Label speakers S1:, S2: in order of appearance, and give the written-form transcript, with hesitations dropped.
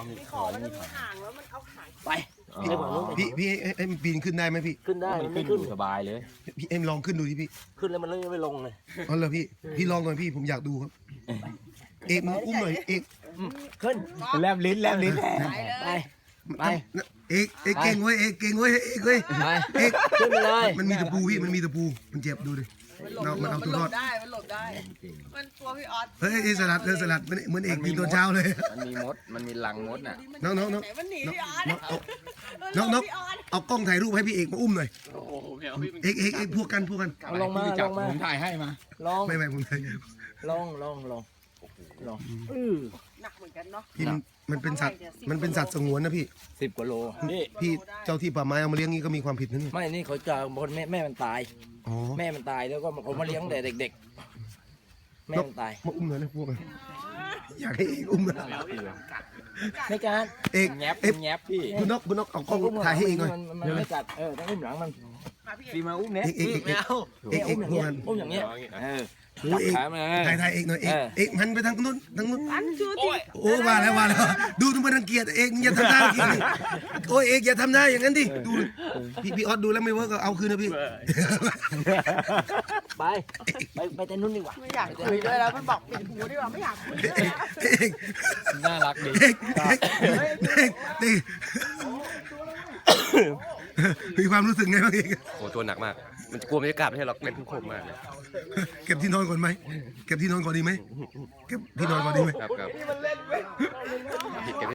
S1: มีคอมันจะมีหางแล้วมันเอาหาง
S2: ไปไปฝั่งนู้นไป
S3: พี่เอ็มปีนขึ้นได้ไหมพี่
S2: ขึ้นได้
S4: มั
S2: มัน น
S4: ขึ้
S2: ไม่
S4: น
S2: ขึ้น
S4: สบายเลย
S3: พี่เอ็มลองขึ้นดูดิพี่
S2: ขึ้นแล้วมันไม่ลงเลย
S3: อ๋อเหรอพี่ลองหน่อยพี่ผมอยากดูครับเอกมึงอุ้มหน่อยเอก
S2: ขึ้น
S4: แลบลิ้น
S2: ไปไป
S3: เอกเก่งเว้ยเอกเก่งเว้ยเอกเว้ย
S2: ไป
S3: เอก
S2: ขึ้นไปเลย
S3: มันมีตะปูพี่มันมีตะปูมันเจ็บดูดิ มันเอาตัวรอด
S1: มันหลบได้ มันตัวพี่ออส
S3: เฮ้ยสลัดเหมือนเอกปีนตอนเช้าเลย
S4: มันมีมดมันมีรังมดน่ะ
S3: น้อง
S1: ไหนมันหนีพี่ออส
S3: น้องเอากล้องถ่ายรูปให้พี่เอกมาอุ้มหน่อย
S5: โอ้โหไม่เอาพี่
S3: เอกพวกกัน
S2: เอาลงมาลงมา
S4: ผมถ่ายให้มา
S2: ลง
S3: ไม่ผมถ่าย
S2: ลง
S1: หนักเหมือนกันเนาะ
S3: พี่มันเป็นสัตว์สงวนนะพี่
S2: 10 กว่าโลนี่
S3: พี่เจ้าที่ป่าไม้เอามาเลี้ยงนี่ก็มีความผิดนะนี่
S2: ไม่นี่เขาจะคนแม่มันตาย
S3: อ๋อ
S2: แม่มันตายแล้วก็ผมมาเลี้ยงแต่เด็กๆแม่มันตาย
S3: มาอุ้มหน่อยนะพวกมันอยากให้เอกอุ้มนะ
S2: ในการ
S3: เอก
S4: แงบ
S3: เอก
S4: แงบพี่
S3: คุณนกเอากล้องถ่ายให้เอกหน่อย
S2: มันไม่กัดต้องอุ้มหลังมัน
S1: มาพี่
S4: พี่มาอุ้มเนี่ย
S3: เอก
S5: ไม่เอา
S2: อุ้มอย่างเงี้ยอุ้มอย่างเงี้ย
S3: โอ้เอก
S2: ขามา
S3: ถ่ายเอกหน่อยเอกหันไปทางนู้น
S1: อันชูที
S3: โอ้ว่าแล้วดูทุกคนรังเกียจเอกอย่าทำหน้ารังเกียจดิโอ้เอกอย่าทำหน้าอย่างนั้นดิดูพี่ออสดูแล้วไม่เวิร์กก็เอาคืนนะพี่
S2: ไปแต่นู้นดีกว่า
S1: ไม่อยากคุยด้วยแล้วมันบอกปิดหูดีกว่าไม่อยากคุยด้วย
S3: เอก
S4: น่ารักดี
S3: เอกมีความรู้สึกไงบ้างเอก
S5: โอ้ตัวหนักมาก มันกลัวบรรยากาศไม่ใช่หรอกเป็นทุกคนมากเลย
S3: เก็บที่นอนก่อนไหมเก็บที่นอนก่อนดีไหมเก็บที่นอนก่อนดีไหม
S5: ครับ